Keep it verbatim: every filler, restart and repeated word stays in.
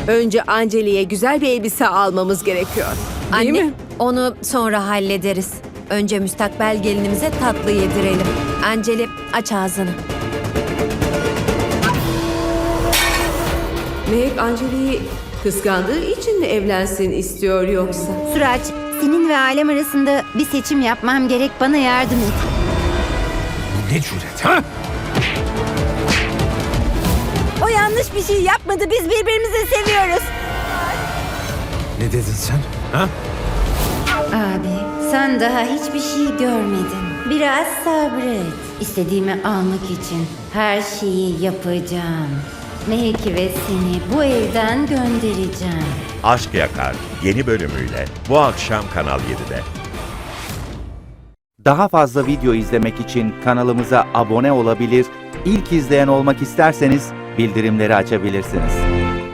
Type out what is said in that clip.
Önce Anceli'ye güzel bir elbise almamız gerekiyor. Değil Anne, mi? onu sonra hallederiz. Önce müstakbel gelinimize tatlı yedirelim. Anceli, aç ağzını. Mehek Anceli'yi kıskandığı için mi evlensin istiyor yoksa? Suraç, senin ve ailem arasında bir seçim yapmam gerek. Bana yardım et. Bu ne cüret ha? O yanlış bir şey yapmadı. Biz birbirimizi seviyoruz. Ne dedin sen? Ha? Abi, sen daha hiçbir şey görmedin. Biraz sabret. İstediğimi almak için her şeyi yapacağım. Mehek'i ve seni bu evden göndereceğim. Aşk Yakar yeni bölümüyle bu akşam Kanal yedide. Daha fazla video izlemek için kanalımıza abone olabilir, ilk izleyen olmak isterseniz bildirimleri açabilirsiniz.